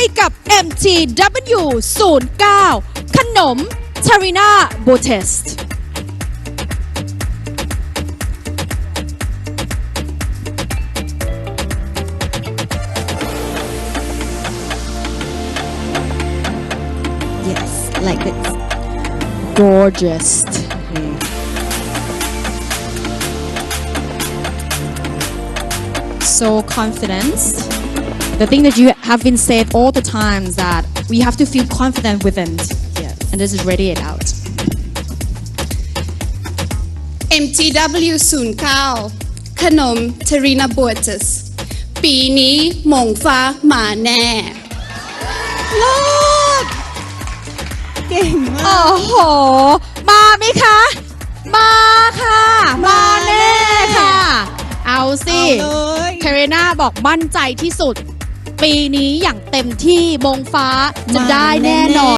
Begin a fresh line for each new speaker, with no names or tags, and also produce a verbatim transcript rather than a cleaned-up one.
กับ เอ็ม ที ดับเบิลยู ศูนย์เก้า ขนม Tarina Botest
Yes, like this.
gorgeous so confident the thing that you have been said all the times that we have to feel confident within
Yes.
and this is radiate out
เอ็ม ที ดับเบิลยู ศูนย์เก้า ขนม Tarina Botest ปีนี้หมงฟ้ามาแน่
เก่งมา
โอ้
ก
โห มาไหมคะ มาค่ะ มาแน่ค่ะ เอาสิ
เอาเลย
คาริน่าบอกมั่นใจที่สุด ปีนี้อย่างเต็มที่มงฟ้าจะได้แน่นอน